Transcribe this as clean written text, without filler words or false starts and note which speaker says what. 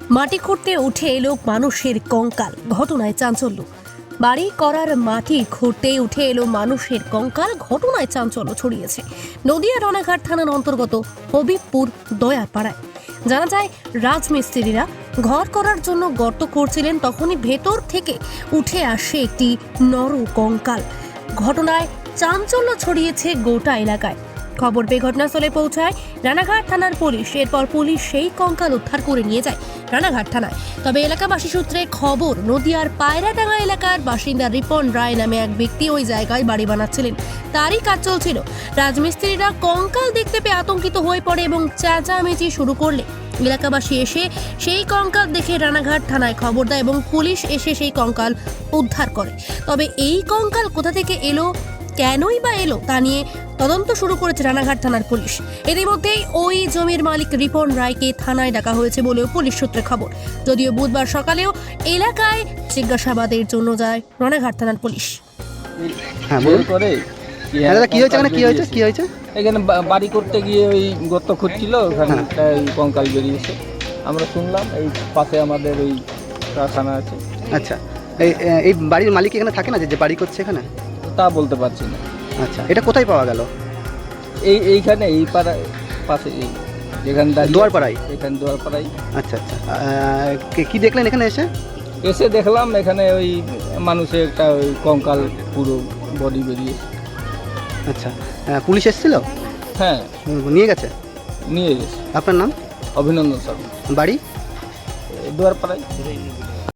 Speaker 1: মাটি খুঁড়তে উঠে এলো মানুষের কঙ্কাল, ঘটনায় চাঞ্চল্য। বাড়ি করার মাটি খুঁড়তে উঠে এলো মানুষের কঙ্কাল, ঘটনায় চাঞ্চল্য ছড়িয়েছে নদিয়া রানাঘাট থানার অন্তর্গত হবিবপুর দয়াপাড়ায়। জানা যায়, রাজমিস্ত্রিরা ঘর করার জন্য গর্ত করছিলেন, তখনই ভেতর থেকে উঠে আসে একটি নর কঙ্কাল। ঘটনায় চাঞ্চল্য ছড়িয়েছে গোটা এলাকায়। খবর পেয়ে ঘটনাস্থলে পৌঁছায় রানাঘাট থানার পুলিশ। এরপর পুলিশ সেই কঙ্কাল উদ্ধার করে নিয়ে যায় রানাঘাট থানায়। তবে এলাকাবাসী সূত্রে খবর, নদিয়ার পায়রাডাঙ্গা এলাকার বাসিন্দা রিপন রায় নামে এক ব্যক্তি ওই জায়গায় বাড়ি বানাচ্ছিলেন, তারই কাজ চলছিল। রাজমিস্ত্রিরা কঙ্কাল দেখতে পেয়ে আতঙ্কিত হয়ে পড়ে এবং চেঁচামেচি শুরু করলে এলাকাবাসী এসে সেই কঙ্কাল দেখে রানাঘাট থানায় খবর দেয় এবং পুলিশ এসে সেই কঙ্কাল উদ্ধার করে। তবে এই কঙ্কাল কোথা থেকে এলো, কেনই বা এলো, তা নিয়ে তদন্ত শুরু করেছে রানাঘাট থানার পুলিশ। ইতিমধ্যেই ওই জমির মালিক রিপন রায়কে থানায় ডাকা হয়েছে বলেও পুলিশ সূত্রে খবর। যদিও বুধবার সকালেও এলাকায় জিজ্ঞাসাবাদের জন্য যায় রানাঘাট থানার পুলিশ।
Speaker 2: হ্যাঁ বলুন।
Speaker 3: করে
Speaker 2: দাদা কি হয়েছে, কি হয়েছে?
Speaker 3: এখানে বাড়ি করতে গিয়ে ওই গর্ত খুঁড়ছিল, ওখানে একটা ওই কঙ্কাল বেরিয়েছে। আমরা শুনলাম এই পাশে আমাদের ওই কারখানা আছে।
Speaker 2: আচ্ছা, এই বাড়ির মালিক এখানে থাকে না, যে বাড়ি করছে এখানে?
Speaker 3: তা বলতে পারছি না।
Speaker 2: আচ্ছা, এটা কোথায় পাওয়া গেল?
Speaker 3: এইখানে এই পাড়ায় পাশে, এই যেখানে
Speaker 2: দুয়ারপাড়ায়।
Speaker 3: এখানে দুয়ারপাড়ায়।
Speaker 2: আচ্ছা আচ্ছা, কি দেখলেন এখানে এসে?
Speaker 3: এসে দেখলাম এখানে ওই মানুষের একটা ওই কঙ্কাল পুরো বডি বেরিয়েছে।
Speaker 2: আচ্ছা, পুলিশ এসেছিল?
Speaker 3: হ্যাঁ,
Speaker 2: নিয়ে গেছে?
Speaker 3: নিয়ে গেছে।
Speaker 2: আপনার নাম?
Speaker 3: অভিনন্দন স্যার।
Speaker 2: বাড়ি?
Speaker 3: দুয়ারপাড়ায়।